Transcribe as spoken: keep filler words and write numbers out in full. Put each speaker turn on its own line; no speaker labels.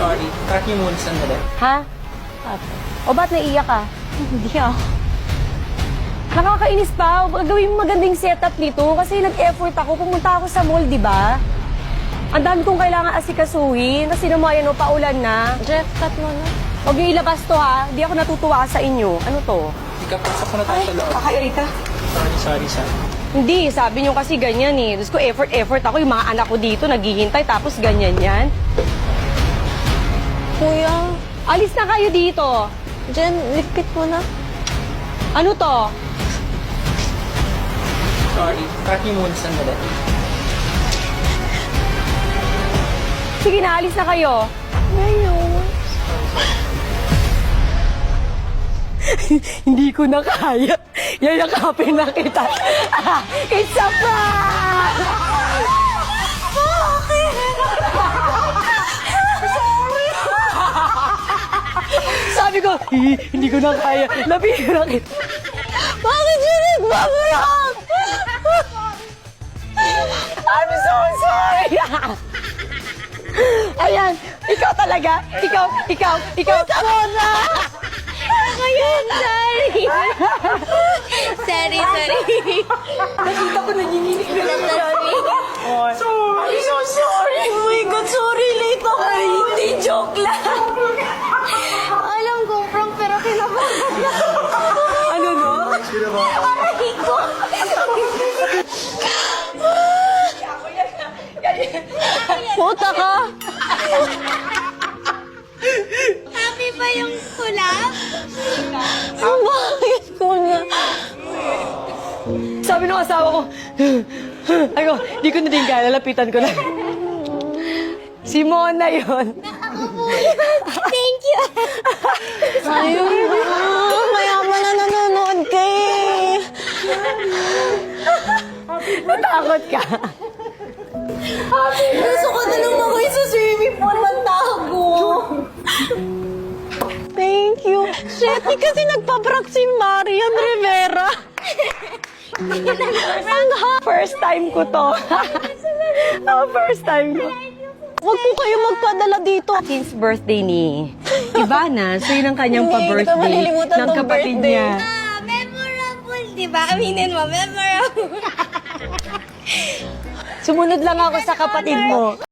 Sorry. Cut niyo muna sandali.
Ha? O ba't naiyak ka?
Hindi ako.
Nakakainis pa. Gawin mo magandang setup nito kasi nag-effort ako. Pumunta ako sa mall, di ba? Ang dami kong kailangan asikasuhin. Kasi naman yan, paulan na.
Jeff, cut mo na.
Huwag niyo ilabas to ha. Di ako natutuwa sa inyo. Ano to?
Ika, pasok ko na tayo sa loob.
Kakairita.
Sorry, sorry, sorry.
Hindi, sabi niyo kasi ganyan eh. Diyos ko, effort, effort ako. Yung mga anak ko dito, naghihintay. Tapos ganyan yan.
Kuya,
Alis na kayo dito.
Jen, lipit mo na.
Ano to?
Sorry. Cut niyo muna sandali.
Sige na, alis na kayo.
Ngayon.
Hindi ko na kaya. Yayakapin na kita. It's a prank! Sabi ko, "Hi, hindi ko na kaya. Labihin kita.
Bakit siya nagbabayak?
I'm so sorry. Ayan, ikaw talaga. Ikaw, ikaw, ikaw.
Mona! Ako yun, sorry. sorry, sorry.
Nakita ko nanginginig na lang.
Sorry.
Sorry, so sorry.
Oh my God, sorry. Late ako.
Ay, hindi, joke lang.
Alam ko, prank, pero kinabahan.
Ano no?
Aray ko.
Puta ka.
Happy ba yung kulap? Bakit ko na?
Sabi ng asawa ko, ay ko, di ko na din kaya, lalapitan ko na. Si Mona yun.
Thank you. Ayun na. Mayaman na nanonood ka eh.
Natakot ka.
Gusto ko na lang ako sa swimming pool magtago. Thank you. Shit, di kasi nagpa-prank si Marian Rivera.
Ang ha- First time ko to. oh, first time ko.
Huwag po kayo magpadala dito.
Since birthday ni Ivana, so yun ang kanyang
Hindi, hindi ko
pa-birthday
malilimutan
ng
tong
kapatid
birthday.
niya.
Ah, memorable, di ba? Aminin mo, memorable.
Sumunod lang ako sa kapatid mo.